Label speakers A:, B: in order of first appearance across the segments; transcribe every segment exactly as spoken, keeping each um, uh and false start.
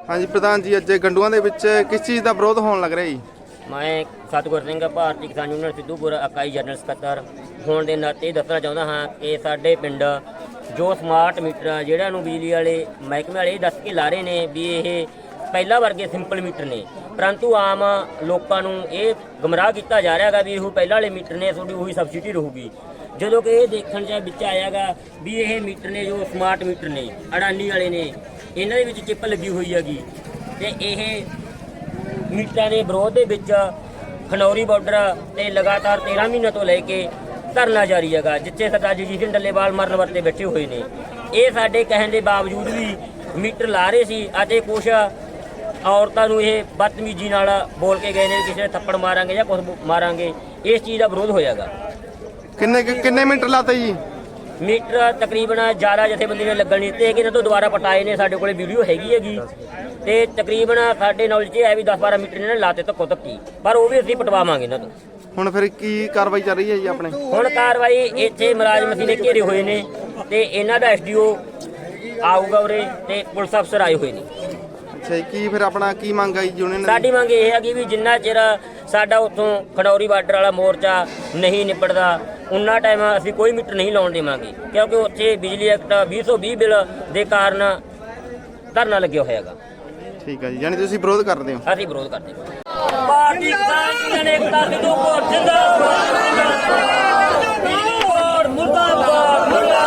A: हाँ जी प्रधान जी, अज गंडुआ दे विच किस चीज़ का विरोध होने लग रहा जी?
B: मैं सतगुर सिंह भारतीय किसान यूनियन सिद्धूपुर इकाई जनरल ਸਕੱਤਰ होने के नाते दसना चाहता हाँ कि साडे पिंड जो स्मार्ट मीटर जिहड़ियां नूं बिजली वाले महकमे वाले दस के ला रहे ने भी ये ਪਹਿਲਾਂ ਵਰਗੇ ਸਿੰਪਲ ਮੀਟਰ ਨੇ, ਪਰੰਤੂ ਆਮ ਲੋਕਾਂ ਨੂੰ ਇਹ ਗਮਰਾਹ ਕੀਤਾ ਜਾ ਰਿਹਾ ਹੈਗਾ ਵੀ ਇਹ ਪਹਿਲਾਂ ਵਾਲੇ ਮੀਟਰ ਨੇ, ਤੁਹਾਡੀ ਉਹੀ ਸਬਸਿਡੀ ਰਹੂਗੀ। ਜਦੋਂ ਕਿ ਇਹ ਦੇਖਣ 'ਚ ਵਿੱਚ ਆਇਆ ਗਾ ਵੀ ਇਹ ਮੀਟਰ ਨੇ ਜੋ ਸਮਾਰਟ ਮੀਟਰ ਨੇ ਅਡਾਨੀ ਵਾਲੇ ਨੇ, ਇਹਨਾਂ ਦੇ ਵਿੱਚ ਚਿੱਪ ਲੱਗੀ ਹੋਈ ਹੈਗੀ ਤੇ ਇਹ ਮੀਟਰਾਂ ਦੇ ਵਿਰੋਧ ਦੇ ਵਿੱਚ ਖਨੌਰੀ ਬਾਰਡਰ ਤੇ ਲਗਾਤਾਰ ਤੇਰਾਂ ਮਹੀਨਿਆਂ ਤੋਂ ਲੈ ਕੇ ਧਰਨਾ ਜਾਰੀ ਹੈਗਾ, ਜਿੱਥੇ ਸਰਦਾਰ ਜਗਜੀਤ ਸਿੰਘ ਡੱਲੇਵਾਲ ਮਰਨ ਵਰਤੇ ਬੈਠੇ ਹੋਏ ਨੇ। ਇਹ ਸਾਡੇ ਕਹਿਣ ਦੇ ਬਾਵਜੂਦ ਵੀ ਮੀਟਰ ਲਾ ਰਹੇ ਸੀ ਅਤੇ ਕੁਛ ਔਰਤਾਂ ਨੂੰ ਇਹ ਬਦਤਮੀਜ਼ੀ ਨਾਲ ਬੋਲ ਕੇ ਗਏ ਨੇ, ਕਿਸੇ ਨੇ ਥੱਪੜ ਮਾਰਾਂਗੇ ਜਾਂ ਕੁਛ ਮਾਰਾਂਗੇ। ਇਸ ਚੀਜ਼ ਦਾ ਵਿਰੋਧ ਹੋਇਆਗਾ।
A: ਕਿੰਨੇ ਕਿੰਨੇ ਮੀਟਰ ਲਾਤੇ ਜੀ?
B: ਮੀਟਰ ਤਕਰੀਬਨ ਜ਼ਿਆਦਾ ਜਥੇਬੰਦੀ ਨੇ ਲੱਗਣ ਨਹੀਂ ਦਿੱਤੇ ਹੈਗੇ, ਇਹਨਾਂ ਤੋਂ ਦੁਬਾਰਾ ਪਟਾਏ ਨੇ। ਸਾਡੇ ਕੋਲੇ ਵੀਡੀਓ ਹੈਗੀ ਹੈਗੀ ਤੇ ਤਕਰੀਬਨ ਸਾਡੇ ਨੌਲੇਜ 'ਚ ਹੈ ਵੀ ਦਸ ਬਾਰਾਂ ਮੀਟਰ ਇਹਨਾਂ ਨੇ ਲਾਤੇ ਧੱਕੋ ਧੱਕੀ, ਪਰ ਉਹ ਵੀ ਅਸੀਂ ਪਟਵਾਵਾਂਗੇ ਇਹਨਾਂ ਤੋਂ।
A: ਹੁਣ ਫਿਰ ਕੀ ਕਾਰਵਾਈ ਚੱਲ ਰਹੀ ਹੈ ਜੀ ਆਪਣੇ?
B: ਹੁਣ ਕਾਰਵਾਈ ਇੱਥੇ ਮੁਲਾਜ਼ਮ ਅਸੀਂ ਨੇ ਘੇਰੇ ਹੋਏ ਨੇ ਤੇ ਇਹਨਾਂ ਦਾ ਐਸਡੀਓ ਆਊਗਾ ਉਰੇ ਤੇ ਪੁਲਿਸ ਅਫਸਰ ਆਏ ਹੋਏ ਨੇ।
A: ਅੱਛਾ ਜੀ, ਕੀ ਫਿਰ ਆਪਣਾ ਕੀ ਮੰਗ ਆਈ ਯੂਨੀਅਨ ਦੀ?
B: ਸਾਡੀ ਮੰਗ ਇਹ ਹੈਗੀ ਵੀ ਜਿੰਨਾ ਚਿਰ ਸਾਡਾ ਉੱਥੋਂ ਖਨੌਰੀ ਬਾਰਡਰ ਵਾਲਾ ਮੋਰਚਾ ਨਹੀਂ ਨਿਬੜਦਾ ਉਨਾ ਟਾਈਮ ਅਸੀਂ ਕੋਈ ਮੀਟਰ ਨਹੀਂ ਲਾਉਣ ਦੇਵਾਂਗੇ, ਕਿਉਂਕਿ ਉੱਥੇ ਬਿਜਲੀ ਐਕਟ ਵੀਹ ਸੌ ਵੀਹ ਬਿੱਲ ਦੇ ਕਾਰਨ ਧਰਨਾ ਲੱਗਿਆ ਹੋਇਆ ਹੈਗਾ।
A: ਠੀਕ ਹੈ ਜੀ, ਯਾਨੀ ਤੁਸੀਂ ਵਿਰੋਧ ਕਰਦੇ ਹੋ?
B: ਅਸੀਂ ਵਿਰੋਧ ਕਰਦੇ ਹਾਂ। ਪਾਰਟੀ ਕਿਸਾਨ ਯੂਨੀਅਨ ਏਕਤਾ ਸਿੱਧੂਪੁਰ ਜਿੰਦਾਬਾਦ, ਸਿੱਧੂਪੁਰ ਮੁਰਦਾਬਾਦ,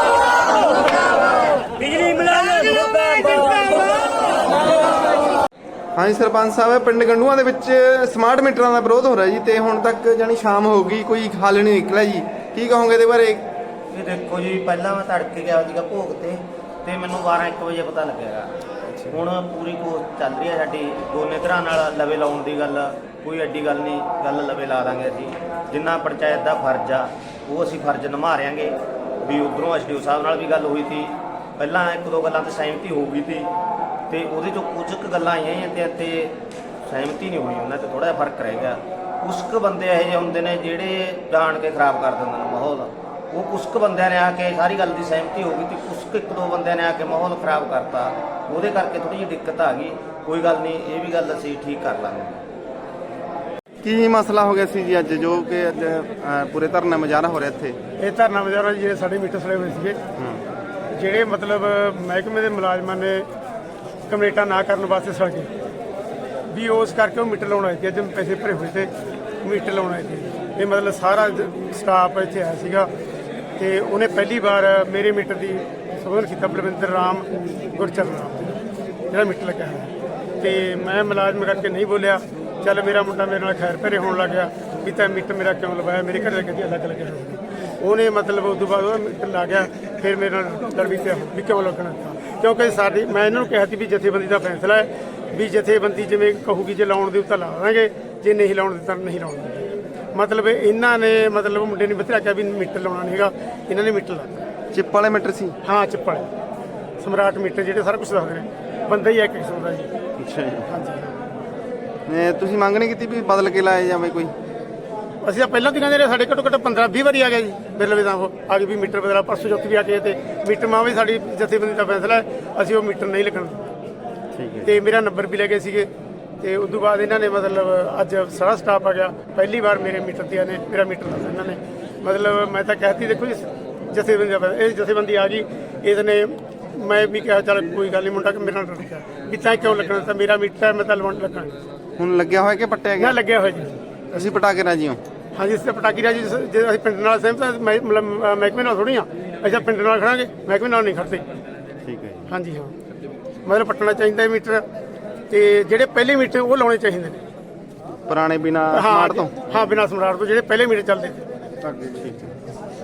B: ਬਿਜਲੀ ਮੁਲਾਜ਼ਮ ਮੁਰਦਾਬਾਦ।
A: हाँ जी सरपंच साहब, पिंड गंडुआ ਦੇ ਵਿੱਚ ਸਮਾਰਟ ਮੀਟਰਾਂ ਦਾ ਵਿਰੋਧ ਹੋ ਰਿਹਾ ਜੀ ਤੇ ਹੁਣ ਤੱਕ ਜਾਨੀ ਸ਼ਾਮ ਹੋ ਗਈ, ਕੋਈ ਹੱਲ ਨਹੀਂ ਨਿਕਲਿਆ ਜੀ, ਕੀ ਕਹੋਗੇ ਇਹਦੇ ਬਾਰੇ?
C: ਇਹ ਦੇਖੋ ਜੀ, ਪਹਿਲਾਂ ਮੈਂ ਤੜਕੇ ਗਿਆ ਸੀਗਾ ਭੋਗ ਤੇ ਤੇ ਮੈਨੂੰ ਬਾਰਾਂ ਇੱਕ ਵਜੇ ਪਤਾ ਲੱਗਿਆ। ਹੁਣ ਪੂਰੀ ਕੋਸ਼ਿਸ਼ ਚੱਲ ਰਹੀ ਹੈ ਸਾਡੀ ਦੋਨੇ ਧਿਰਾਂ ਨਾਲ ਲਵੇ ਲਾਉਣ ਦੀ ਗੱਲ, ਕੋਈ ਐਡੀ ਗੱਲ ਨਹੀਂ, ਗੱਲ ਲਵੇ ਲਾ ਦਾਂਗੇ ਅਸੀਂ। ਜਿੰਨਾ ਪੰਚਾਇਤ ਦਾ ਫਰਜ਼ ਆ ਉਹ ਅਸੀਂ ਫਰਜ਼ ਨਿਭਾ ਰਿਆਂਗੇ। ਵੀ ਉੱਧਰੋਂ ਐਸਡੀਓ ਸਾਹਿਬ ਨਾਲ ਵੀ ਗੱਲ ਹੋਈ ਸੀ, ਪਹਿਲਾਂ ਇੱਕ ਦੋ ਗੱਲਾਂ ਤੇ ਸਹਿਮਤੀ ਹੋ ਗਈ ਸੀ ਤੇ ਉਹਦੇ ਚੋਂ ਕੁਝ ਕੁ ਗੱਲਾਂ ਆਈਆਂ ਤੇ ਤੇ ਸਹਿਮਤੀ ਨਹੀਂ ਹੋਈ, ਉਹਨਾਂ 'ਚ ਥੋੜ੍ਹਾ ਜਿਹਾ ਫਰਕ ਰਹਿ ਗਿਆ। ਕੁਛ ਕੁ ਬੰਦੇ ਇਹੋ ਜਿਹੇ ਹੁੰਦੇ ਨੇ ਜਿਹੜੇ ਜਾਣ ਕੇ ਖਰਾਬ ਕਰ ਦਿੰਦੇ ਨੇ ਮਾਹੌਲ। ਉਹ ਕੁਛ ਕੁ ਬੰਦਿਆਂ ਨੇ ਆ ਕੇ ਸਾਰੀ ਗੱਲ ਦੀ ਸਹਿਮਤੀ ਹੋ ਗਈ ਤੇ ਕੁਛ ਕੁ ਇੱਕ ਦੋ ਬੰਦਿਆਂ ਨੇ ਆ ਕੇ ਮਾਹੌਲ ਖਰਾਬ ਕਰਤਾ, ਉਹਦੇ ਕਰਕੇ ਥੋੜ੍ਹੀ ਜਿਹੀ ਦਿੱਕਤ ਆ ਗਈ। ਕੋਈ ਗੱਲ ਨਹੀਂ, ਇਹ ਵੀ ਗੱਲ ਅਸੀਂ ਠੀਕ ਕਰ ਲਾਂਗੇ।
A: ਕੀ ਮਸਲਾ ਹੋ ਗਿਆ ਸੀ ਜੀ ਅੱਜ ਜੋ ਕਿ ਅੱਜ ਪੂਰੇ ਧਰਨਾ ਮੁਜ਼ਾਹਰਾ ਹੋ ਰਿਹਾ ਇੱਥੇ?
D: ਇਹ ਧਰਨਾ ਮੁਜ਼ਾਹਰਾ ਜਿਹੜੇ ਸਾਡੇ ਮੀਟਰ ਸੜੇ ਹੋਏ ਸੀਗੇ, ਜਿਹੜੇ ਮਤਲਬ ਮਹਿਕਮੇ ਦੇ ਮੁਲਾਜ਼ਮਾਂ ਨੇ ਕਮੇਟਾ ਨਾ ਕਰਨ ਵਾਸਤੇ ਸੜ ਗਏ ਵੀ, ਉਸ ਕਰਕੇ ਉਹ ਮੀਟਰ ਲਾਉਣ ਆਏ ਸੀ। ਅੱਜ ਪੈਸੇ ਭਰੇ ਹੋਏ ਤੇ ਮੀਟਰ ਲਾਉਣ ਆਏ ਸੀ। ਇਹ ਮਤਲਬ ਸਾਰਾ ਸਟਾਫ ਇੱਥੇ ਆਇਆ ਸੀਗਾ ਤੇ ਉਹਨੇ ਪਹਿਲੀ ਵਾਰ ਮੇਰੇ ਮੀਟਰ ਦੀ ਸੰਬੋਧਨ ਕੀਤਾ, ਬਲਵਿੰਦਰ ਰਾਮ ਗੁਰਚਰਨ ਰਾਮ ਜਿਹੜਾ ਮੀਟਰ ਲੱਗਿਆ ਹੈ। ਤੇ ਮੈਂ ਮੁਲਾਜ਼ਮ ਕਰਕੇ ਨਹੀਂ ਬੋਲਿਆ, ਚੱਲ ਮੇਰਾ ਮੁੰਡਾ ਮੇਰੇ ਨਾਲ ਖੈਰ ਭਰੇ ਹੋਣ ਲੱਗ ਗਿਆ ਵੀ ਤਾਂ ਮੀਟਰ ਮੇਰਾ ਕਿਉਂ ਲਵਾਇਆ, ਮੇਰੇ ਘਰ ਲੱਗੇ ਅਲੱਗ ਲੱਗਿਆ ਹੋਇਆ। ਉਹਨੇ ਮਤਲਬ ਉਸ ਤੋਂ ਬਾਅਦ ਉਹ ਮੀਟਰ ਲਾ ਗਿਆ, ਫਿਰ ਮੇਰੇ ਨਾਲ ਲੜ ਵੀ ਪਿਆ ਵੀ ਕਿਉਂ ਲੱਗਣਾ, ਕਿਉਂਕਿ ਸਾਡੀ ਮੈਂ ਇਹਨਾਂ ਨੂੰ ਕਿਹਾ ਸੀ ਵੀ ਜਥੇਬੰਦੀ ਦਾ ਫੈਸਲਾ ਹੈ ਵੀ ਜਥੇਬੰਦੀ ਜਿਵੇਂ ਕਹੂਗੀ ਜੇ ਲਾਉਣ ਦੀ ਤਾਂ ਲਾ ਦਾਂਗੇ, ਜੇ ਨਹੀਂ ਲਾਉਣ ਦੀ ਤਾਂ ਨਹੀਂ ਲਾਉਣ ਦਿੰਦੇ। ਮਤਲਬ ਇਹਨਾਂ ਨੇ ਮਤਲਬ ਮੁੰਡੇ ਨੇ ਬਥੇਰਾ ਕਿਹਾ ਵੀ ਮੀਟਰ ਲਾਉਣਾ ਨਹੀਂ ਹੈਗਾ, ਇਹਨਾਂ ਨੇ ਮੀਟਰ ਲਾ
A: ਚਿੱਪ ਵਾਲੇ ਮੀਟਰ ਸੀ?
D: ਹਾਂ, ਚਿੱਪ ਵਾਲੇ ਸਮਰਾਟ ਮੀਟਰ ਜਿਹੜੇ ਸਾਰਾ ਕੁਝ ਦੱਸਦੇ ਨੇ, ਬੰਦਾ ਹੀ ਇੱਕ ਕਿਸਮ ਦਾ ਜੀ।
A: ਅੱਛਾ ਜੀ,
D: ਹਾਂਜੀ।
A: ਤੁਸੀਂ ਮੰਗ ਨਹੀਂ ਕੀਤੀ ਵੀ ਬਦਲ ਕੇ ਲਾਇਆ ਜਾਵੇ ਕੋਈ?
D: ਅਸੀਂ ਤਾਂ ਪਹਿਲਾਂ ਵੀ ਕਹਿੰਦੇ ਰਹੇ, ਸਾਡੇ ਘੱਟੋ ਘੱਟ ਪੰਦਰਾਂ ਵੀਹ ਵਾਰੀ ਆ ਗਿਆ ਜੀ ਬਿੱਲ ਵੀ, ਤਾਂ ਉਹ ਆ ਗਏ ਵੀ ਮੀਟਰ ਬਦਲਾ, ਪਰਸੋਂ ਚੌਥੀ ਵੀ ਆ ਕੇ ਤੇ ਮੀਟਰ ਮਾਂ ਵੀ ਸਾਡੀ ਜਥੇਬੰਦੀ ਦਾ ਫੈਸਲਾ ਹੈ, ਅਸੀਂ ਉਹ ਮੀਟਰ ਨਹੀਂ ਲੱਗਣ।
A: ਠੀਕ ਹੈ।
D: ਤੇ ਮੇਰਾ ਨੰਬਰ ਵੀ ਲੈ ਗਏ ਸੀਗੇ ਤੇ ਉਸ ਤੋਂ ਬਾਅਦ ਇਹਨਾਂ ਨੇ ਮਤਲਬ ਅੱਜ ਸਾਰਾ ਸਟਾਫ ਆ ਗਿਆ, ਪਹਿਲੀ ਵਾਰ ਮੇਰੇ ਮੀਟਰ ਤੇ ਨੇ ਮੇਰਾ ਮੀਟਰ ਦੱਸ ਇਹਨਾਂ ਨੇ। ਮਤਲਬ ਮੈਂ ਤਾਂ ਕਹਿਤੀ ਦੇਖੋ ਜੀ ਜਥੇਬੰਦੀ ਦਾ ਇਹ ਜਥੇਬੰਦੀ ਆ ਗਈ, ਇਹਨੇ ਮੈਂ ਵੀ ਕਿਹਾ ਚੱਲ ਕੋਈ ਗੱਲ ਨਹੀਂ, ਮੁੰਡਾ ਕਿ ਮੇਰੇ ਨਾਲ ਡਰ ਗਿਆ ਵੀ ਤਾਂ ਕਿਉਂ ਲੱਗਣਾ, ਤਾਂ ਮੇਰਾ ਮੀਟਰ ਮੈਂ ਤਾਂ ਲਵਾਉਣ ਲੱਗਣਾ।
A: ਹੁਣ ਲੱਗਿਆ ਹੋਇਆ ਕਿ ਪੱਟਿਆ ਗਿਆ?
D: ਨਾ ਲੱਗਿਆ ਹੋਇਆ ਜੀ।
A: ਅਸੀਂ ਪਟਾ ਕੇ ਰਾਜੀ ਹਾਂ? ਹਾਂਜੀ,
D: ਇਸ ਤੇ ਪਟਾਕੀ ਰਾਜੀ ਜੇ ਅਸੀਂ ਪਿੰਡ ਨਾਲ ਸਹਿਮਤ ਮਤਲਬ ਮਹਿਕਮੇ ਨਾਲ ਥੋੜ੍ਹੀ ਹਾਂ, ਅਸੀਂ ਪਿੰਡ ਨਾਲ ਖੜਾਂਗੇ, ਮਹਿਕਮੇ ਨਾਲ ਨਹੀਂ ਖੜਦੇ।
A: ਠੀਕ ਹੈ ਜੀ।
D: ਹਾਂਜੀ ਹਾਂ, ਮਤਲਬ ਪੱਟਣਾ ਚਾਹੀਦਾ ਮੀਟਰ ਤੇ ਜਿਹੜੇ ਪਹਿਲੇ ਮੀਟਰ ਉਹ ਲਾਉਣੇ ਚਾਹੀਦੇ ਨੇ
A: ਪੁਰਾਣੇ ਬਿਨਾ ਸਮਾਰਟ ਤੋਂ।
D: ਹਾਂ, ਬਿਨਾ ਸਮਾਰਟ ਤੋਂ ਜਿਹੜੇ ਪਹਿਲੇ ਮੀਟਰ ਚੱਲਦੇ।
A: ਠੀਕ ਹੈ।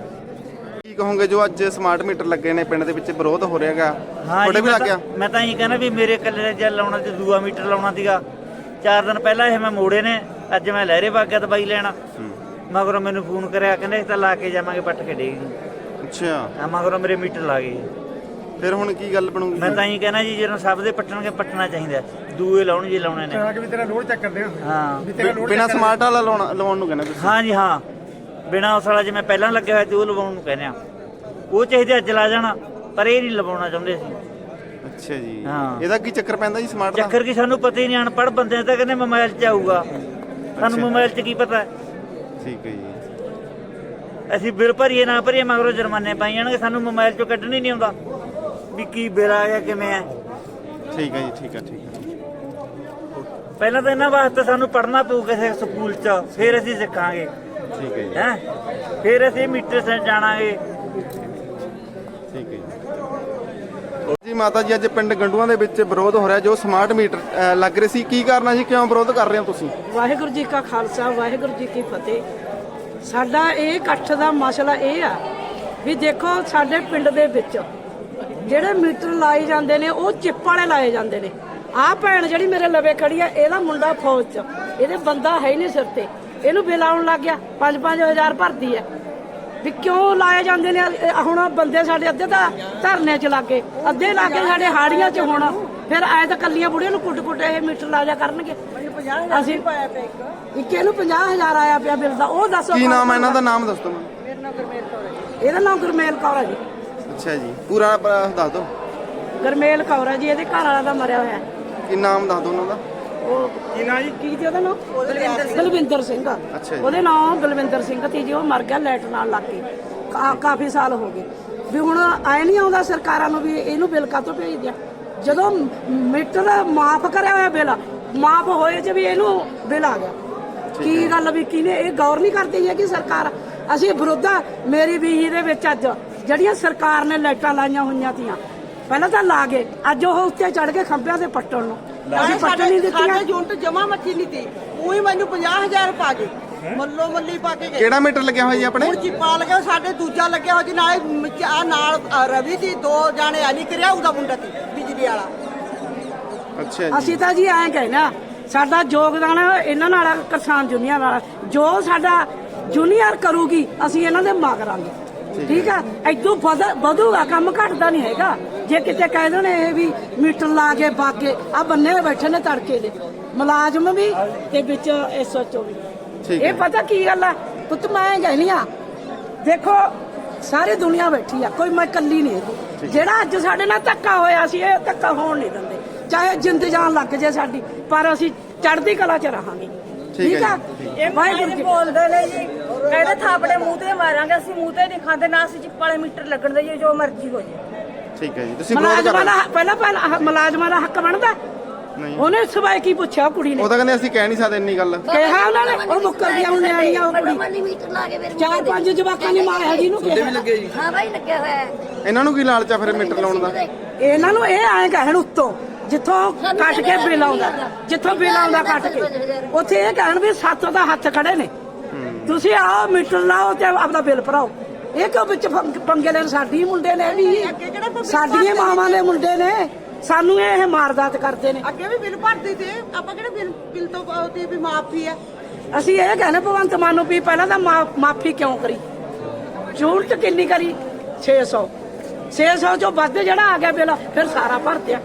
A: ਕੀ ਕਹੋਗੇ ਜੋ ਅੱਜ ਸਮਾਰਟ ਮੀਟਰ ਲੱਗੇ ਨੇ ਪਿੰਡ ਦੇ ਵਿੱਚ ਵਿਰੋਧ ਹੋ ਰਿਹਾ ਹੈਗਾ, ਤੁਹਾਡੇ ਵੀ ਲੱਗ ਗਿਆ?
E: ਮੈਂ ਤਾਂ ਇਹ ਕਹਿੰਦਾ ਵੀ ਮੇਰੇ ਇਕੱਲੇ ਜਲ ਲਾਉਣਾ ਤੇ ਦੂਆ ਮੀਟਰ ਲਾਉਣਾ ਸੀਗਾ। ਚਾਰ ਦਿਨ ਪਹਿਲਾਂ ਇਹ ਮੈਂ ਮੋੜੇ ਨੇ, ਅੱਜ ਮੈਂ ਲਹਿਰੇ ਵਗ ਗਿਆ ਦਵਾਈ ਲੈਣਾ, ਮਗਰੋਂ ਮੈਨੂੰ ਫੋਨ ਕਰਿਆ, ਕਹਿੰਦੇ ਅਸੀਂ ਤਾਂ ਲਾ ਕੇ ਜਾਵਾਂਗੇ ਪੱਟ ਕੇ ਡੇਗ ਜੀ।
A: ਅੱਛਾ,
E: ਹਾਂ, ਮਗਰੋਂ ਮੇਰੇ ਮੀਟਰ ਲਾ ਗਏ।
A: ਫਿਰ ਹੁਣ ਕੀ ਗੱਲ ਬਣੂਗੀ?
E: ਮੈਂ ਤਾਂ ਇਹ ਕਹਿਣਾ ਜੀ ਜਦੋਂ ਸਭ ਦੇ ਪੱਟਣਗੇ ਪੱਟਣਾ ਚਾਹੀਦਾ, ਦੂਏ ਲਾਉਣ ਜੇ ਲਾਉਣੇ ਨੇ।
D: ਵੀ ਤੇਰਾ ਲੋਡ ਚੈੱਕ ਕਰਦੇ
E: ਹਾਂ,
A: ਬਿਨਾ ਸਮਾਰਟ ਵਾਲਾ ਲਾਉਣਾ ਲਵਾਉਣ ਨੂੰ ਕਹਿੰਦੇ ਤੁਸੀਂ?
E: ਹਾਂ ਜੀ ਹਾਂ, ਬਿਨਾ ਉਸ ਵਾਲਾ ਜਿਵੇਂ ਪਹਿਲਾਂ ਲੱਗਿਆ ਹੋਇਆ ਤੇ ਉਹ ਲਵਾਉਣ ਨੂੰ ਕਹਿੰਦੇ ਆ। ਉਹ ਚਾਹੀਦੇ ਅੱਜ ਲਾ ਜਾਣਾ, ਪਰ ਇਹ ਨਹੀਂ ਲਵਾਉਣਾ ਚਾਹੁੰਦੇ ਸੀ।
A: ਅੱਛਾ ਜੀ,
E: ਹਾਂ।
A: ਇਹਦਾ ਕੀ ਚੱਕਰ ਪੈਂਦਾ ਜੀ ਸਮਾਰਟ ਦਾ?
E: ਚੱਕਰ ਕੀ ਸਾਨੂੰ ਪਤਾ ਹੀ ਨਹੀਂ, ਅਨਪੜ੍ਹ ਬੰਦੇ ਤਾਂ ਕਹਿੰਦੇ ਮੋਬਾਈਲ 'ਚ ਆਊਗਾ, ਸਾਨੂੰ ਮੋਬਾਈਲ 'ਚ ਕੀ ਪਤਾ।
A: ਠੀਕ ਹੈ ਜੀ।
E: ਅਸੀਂ ਬਿੱਲ ਭਰੀਏ ਨਾ ਭਰੀਏ ਮਗਰੋਂ ਜੁਰਮਾਨੇ ਪਾਈ ਜਾਣਗੇ, ਸਾਨੂੰ ਮੋਬਾਈਲ 'ਚੋਂ ਕੱਢਣ ਹੀ ਨਹੀਂ ਆਉਂਦਾ ਵੀ ਕੀ ਬਿੱਲ ਆ ਗਿਆ ਕਿਵੇਂ ਆ।
A: ਠੀਕ ਹੈ ਜੀ, ਠੀਕ ਹੈ ਠੀਕ ਹੈ।
E: ਪਹਿਲਾਂ ਤਾਂ ਇਹਨਾਂ ਵਾਸਤੇ ਸਾਨੂੰ ਪੜ੍ਹਨਾ ਪਊ ਕਿਸੇ ਸਕੂਲ 'ਚ, ਫਿਰ ਅਸੀਂ ਸਿੱਖਾਂਗੇ
A: ਠੀਕ ਹੈ ਜੀ,
E: ਹੈ, ਫਿਰ ਅਸੀਂ ਮੀਟਰ ਸੇ ਜਾਣਾਂਗੇ।
A: ਠੀਕ ਹੈ ਜੀ। ਜੀ ਮਾਤਾ ਜੀ, ਅੱਜ ਪਿੰਡ ਗੰਡੂਆਂ ਦੇ ਵਿੱਚ ਵਿਰੋਧ ਹੋ ਰਿਹਾ ਜੋ ਸਮਾਰਟ ਮੀਟਰ ਅ, ਲੱਗ ਰਹੇ ਸੀ, ਕੀ ਕਾਰਨ ਹੈ ਜੀ, ਕਿਉਂ ਵਿਰੋਧ ਕਰ ਰਹੇ ਹੋ ਤੁਸੀਂ?
F: ਵਾਹਿਗੁਰੂ ਜੀ ਕਾ ਖਾਲਸਾ ਵਾਹਿਗੁਰੂ ਜੀ ਕੀ ਫਤਿਹ। ਸਾਡਾ ਇਹ ਇਕੱਠ ਦਾ ਮਸਲਾ ਇਹ ਆ ਵੀ ਦੇਖੋ ਸਾਡੇ ਪਿੰਡ ਦੇ ਵਿੱਚ ਜਿਹੜੇ ਮੀਟਰ ਲਾਏ ਜਾਂਦੇ ਨੇ ਉਹ ਚਿੱਪ ਵਾਲੇ ਲਾਏ ਜਾਂਦੇ ਨੇ। ਆਹ ਭੈਣ ਜਿਹੜੀ ਮੇਰੇ ਲਵੇ ਖੜੀ ਆ, ਇਹਦਾ ਮੁੰਡਾ ਫੌਜ 'ਚ, ਇਹਦੇ ਬੰਦਾ ਹੈ ਹੀ ਨਹੀਂ ਸਿਰ ਤੇ, ਇਹਨੂੰ ਬਿੱਲ ਆਉਣ ਲੱਗ ਗਿਆ, ਪੰਜ ਪੰਜ ਹਜ਼ਾਰ ਭਰਦੀ ਹੈ ਵੀ ਕਿਉਂ ਲਾਏ ਜਾਂਦੇ ਨੇ। ਹੁਣ ਬੰਦੇ ਸਾਡੇ ਅੱਧੇ ਤਾਂ ਧਰਨੇ 'ਚ ਲੱਗੇ, ਅੱਧੇ ਲਾਗੇ ਸਾਡੇ ਹਾੜੀਆਂ 'ਚ, ਹੁਣ ਫਿਰ ਐ ਤਾਂ ਕੱਲੀਆਂ ਬੁੜੀਆਂ ਨੂੰ ਕੁੱਟ ਕੁੱਟ ਇਹ ਮੀਟਰ ਲਾ ਜਾ ਕਰਨਗੇ। ਅਸੀਂ ਪਾਇਆ ਪਿਆ ਇੱਕ ਇੱਕ ਇਹਨੂੰ ਪੰਜਾਹ ਹਜ਼ਾਰ ਆਇਆ ਪਿਆ ਬਿੱਲ ਦਾ, ਉਹ ਦੱਸੋ
A: ਕੀ ਨਾਮ ਹੈ ਇਹਨਾਂ ਦਾ? ਨਾਮ ਦੱਸ ਦਿਓ ਮੈਨੂੰ।
F: ਇਹਦਾ ਨਾਮ ਗੁਰਮੇਲ ਕੌਰ ਹੈ ਜੀ।
A: ਅੱਛਾ ਜੀ, ਪੂਰਾ ਪ- ਦੱਸ ਦਿਓ।
F: ਗੁਰਮੇਲ ਕੌਰ ਹੈ ਜੀ, ਇਹਦੇ ਘਰ ਵਾਲਾ ਦਾ ਮਰਿਆ ਹੋਇਆ।
A: ਕੀ ਨਾਮ ਦੱਸ ਦਿਓ ਉਹਨਾਂ ਦਾ?
F: ਉਹ ਕੀ ਨਾਂ ਜੀ, ਕੀ ਸੀ ਉਹਦਾ ਨਾਮ? ਬਲਵਿੰਦਰ ਸਿੰਘ।
A: ਅੱਛਾ ਜੀ।
F: ਉਹਦੇ ਨਾਮ ਬਲਵਿੰਦਰ ਸਿੰਘ ਸੀ ਜੀ, ਉਹ ਮਰ ਗਿਆ ਲਾਈਟ ਨਾਲ ਲੱਗ ਕੇ, ਕਾ- ਕਾਫੀ ਸਾਲ ਹੋ ਗਏ ਵੀ। ਹੁਣ ਆਏ ਨਹੀਂ ਆਉਂਦਾ ਸਰਕਾਰਾਂ ਨੂੰ ਵੀ ਇਹਨੂੰ ਬਿੱਲ ਕਾਹਤੋਂ ਭੇਜ ਦਿਆ, ਜਦੋਂ ਮੀਟਰ ਮਾਫ ਕਰਿਆ ਹੋਇਆ ਬਿੱਲ ਮਾਫ ਹੋਏ ਚ ਵੀ ਇਹਨੂੰ ਬਿੱਲ ਆ ਗਿਆ। ਕੀ ਗੱਲ ਵੀ ਕਿਹਨੇ ਇਹ ਗੌਰ ਨਹੀਂ ਕਰਦੀ ਹੈ ਕਿ ਸਰਕਾਰ। ਅਸੀਂ ਵਿਰੋਧਾ ਮੇਰੀ ਬੀਹੀ ਦੇ ਵਿੱਚ ਅੱਜ ਜਿਹੜੀਆਂ ਸਰਕਾਰ ਨੇ ਲਾਈਟਾਂ ਲਾਈਆਂ ਹੋਈਆਂ ਤੀਆਂ, ਪਹਿਲਾਂ ਤਾਂ ਲਾ ਗਏ, ਅੱਜ ਉਹ ਉੱਤੇ ਚੜ ਕੇ ਖੰਭਿਆਂ ਤੇ ਪੱਟਣ ਨੂੰ ਅਸੀਂ ਪੱਟਣ ਨਹੀਂ ਦਿੱਤੀਆਂ।
G: ਸਾਡੇ ਯੂਨਿਟ ਜਮਾ ਮੱਚੀ ਨਹੀਂ ਤੀ, ਉਹੀ ਮੈਨੂੰ ਪੰਜਾਹ ਹਜ਼ਾਰ ਪਾ ਕੇ ਮੱਲੋ ਮੱਲੀ ਪਾ ਕੇ ਗਏ।
A: ਕਿਹੜਾ ਮੀਟਰ ਲੱਗਿਆ ਹੋਇਆ ਜੀ ਆਪਣੇ?
G: ਹੁਣ ਚਿੱਪਾ ਲੱਗਿਆ, ਸਾਡੇ ਦੂਜਾ ਲੱਗਿਆ ਹੋਇਆ ਜੀ, ਨਾਲੇ ਆ ਨਾਲ ਅ, ਰਵੀ ਦੀ ਦੋ ਜਾਣੇ ਆ ਨਹੀਂ ਕਰਿਆ, ਉਹਦਾ ਮੁੰਡਾ ਸੀ ਬਿਜਲੀ ਵਾਲਾ।
A: ਅੱਛਾ ਜੀ,
F: ਅਸੀਂ ਤਾਂ ਜੀ ਐਂ ਕਹਿਣਾ ਸਾਡਾ ਯੋਗਦਾਨ ਇਹਨਾਂ ਨਾਲ ਆ, ਕਿਸਾਨ ਯੂਨੀਅਨ ਨਾਲ, ਜੋ ਸਾਡਾ ਜੂਨੀਅਰ ਕਰੂਗੀ ਅਸੀਂ ਇਹਨਾਂ ਦੇ ਮਾਗਰਾਂਗੇ। ਠੀਕ ਆ, ਇਦੋਂ ਵਧੂਗਾ ਕੰਮ, ਘਟਦਾ ਨਹੀਂ ਹੈਗਾ। ਜੇ ਕਿਤੇ ਕਹਿ ਦੇਣ ਇਹ ਵੀ ਮੀਟਰ ਲਾ ਕੇ ਬਾਗੇ ਆ ਬੰਨੇ ਬੈਠੇ ਨੇ ਤੜਕੇ ਦੇ ਮੁਲਾਜ਼ਮ ਵੀ ਤੇ ਵਿੱਚ ਐਸਓਚਓ ਵੀ।
A: ਠੀਕ ਹੈ।
F: ਇਹ ਪਤਾ ਕੀ ਗੱਲ ਆ ਪੁੱਤ, ਮੈਂ ਕਹਿਨੀ ਆ ਦੇਖੋ ਸਾਰੀ ਦੁਨੀਆ ਬੈਠੀ ਆ, ਕੋਈ ਮੈਂ ਇਕੱਲੀ ਨਹੀਂ ਹੈਗੀ। ਜਿਹੜਾ ਅੱਜ ਸਾਡੇ ਨਾਲ ਧੱਕਾ ਹੋਇਆ ਸੀ, ਇਹ ਧੱਕਾ ਹੋਣ ਨਹੀਂ ਦਿੰਦੇ, ਚਾਹੇ ਜਿੰਦ ਜਾਨ ਲੱਗ ਜੇ ਸਾਡੀ, ਪਰ ਅਸੀਂ ਚੜ੍ਹਦੀ ਕਲਾ 'ਚ ਰਹਾਂਗੇ। ਠੀਕ ਆ, ਇਹ ਵਾਹਿਗੁਰੂ ਜੀ
H: ਬੋਲਦੇ ਨੇ ਜੀ, ਕਹਿੰਦੇ ਥਾਪੜੇ ਮੂੰਹ ਤੇ ਮਾਰਾਂਗੇ, ਅਸੀਂ ਮੂੰਹ ਤੇ ਨਹੀਂ ਖਾਂਦੇ, ਨਾ ਅਸੀਂ ਚਿੱਪ ਵਾਲੇ ਮੀਟਰ ਲੱਗਣ ਦੇਈਏ, ਜੋ ਮਰਜ਼ੀ ਹੋ ਜੇ।
A: ਠੀਕ ਹੈ ਜੀ, ਤੁਸੀਂ ਵਿਰੋਧ ਕਰ
F: ਮੁਲਾਜ਼ਮਾਂ
A: ਰਹੇ
F: ਦਾ ਪਹਿਲਾਂ ਪਹਿਲਾਂ ਮੁਲਾਜ਼ਮਾਂ ਦਾ ਹੱਕ ਬਣਦਾ।
A: ਨਹੀਂ,
F: ਉਹਨੇ ਸਵਾਈ ਕੀ ਪੁੱਛਿਆ ਕੁੜੀ ਨੇ,
A: ਉਹ ਤਾਂ ਕਹਿੰਦੇ ਅਸੀਂ ਕਹਿ ਨਹੀਂ ਸਕਦੇ ਇੰਨੀ ਗੱਲ।
F: ਕਿਹਾ ਉਹਨਾਂ ਨੇ, ਉਹ ਮੁੱਕਰ ਗਿਆ ਹੁਣ ਨਿਆਣੀਆਂ ਉਹ ਕੁੜੀ।
H: ਮੀਟਰ ਲਾ ਕੇ ਫਿਰ
F: ਚਾਰ ਪੰਜ ਜਵਾਕਾਂ ਨੇ ਮਾਰਿਆ ਜੀ ਨੂੰ ਕਿਹਾ।
H: ਹਾਂ ਬਾਈ ਲੱਗਿਆ ਹੋਇਆ ਹੈ।
A: ਇਹਨਾਂ ਨੂੰ ਕੀ ਲਾਲਚ ਆ ਫਿਰ ਮੀਟਰ ਲਾਉਣ ਦਾ?
F: ਇਹਨਾਂ ਨੂੰ ਇਹ ਐਂ ਕਹਿਣ ਉੱਤੋਂ ਜਿੱਥੋਂ ਕੱਟ ਕੇ ਬਿੱਲ ਆਉਂਦਾ, ਜਿੱਥੋਂ ਬਿੱਲ ਆਉਂਦਾ ਕੱਟ ਕੇ, ਉੱਥੇ ਇਹ ਕਹਿਣ ਵੀ ਸਾਤੋਂ ਦਾ ਹੱਥ ਖੜੇ ਨੇ, ਤੁਸੀਂ ਆਓ ਮੀਟਰ ਲਾਓ ਤੇ ਆਪਦਾ ਬਿੱਲ ਭਰਾਓ। ਇਹ ਕਿਉਂ ਵਿੱਚ ਪੰਗ- ਪੰਗੇ ਲੈਣ? ਸਾਡੀ ਮੁੰਡੇ ਨੇ ਵੀ, ਸਾਡੀਆਂ ਮਾਵਾਂ ਦੇ ਮੁੰਡੇ ਨੇ, ਸਾਨੂੰ ਇਹ ਮਾਰਦਾਤ ਕਰਦੇ ਨੇ।
G: ਅੱਗੇ ਵੀ ਬਿੱਲ ਭਰਦੇ ਤੇ ਆਪਾਂ ਕਿਹੜਾ ਬਿੱਲ ਬਿੱਲ ਤੋਂ ਉਹਦੀ ਵੀ ਮਾਫੀ ਆ।
F: ਅਸੀਂ ਇਹ ਕਹਿੰਦੇ ਭਗਵੰਤ ਮਾਨ ਨੂੰ ਵੀ ਪਹਿਲਾਂ ਤਾਂ ਮਾ- ਮਾਫੀ ਕਿਉਂ ਕਰੀ, ਜ਼ਰੂਰਤ ਕਿੰਨੀ ਕਰੀ? ਛੇ ਸੌ ਛੇ ਸੌ ਚੋਂ ਵੱਧ ਜਿਹੜਾ ਆ ਗਿਆ ਬਿੱਲ ਫਿਰ ਸਾਰਾ ਭਰ ਦਿਆ।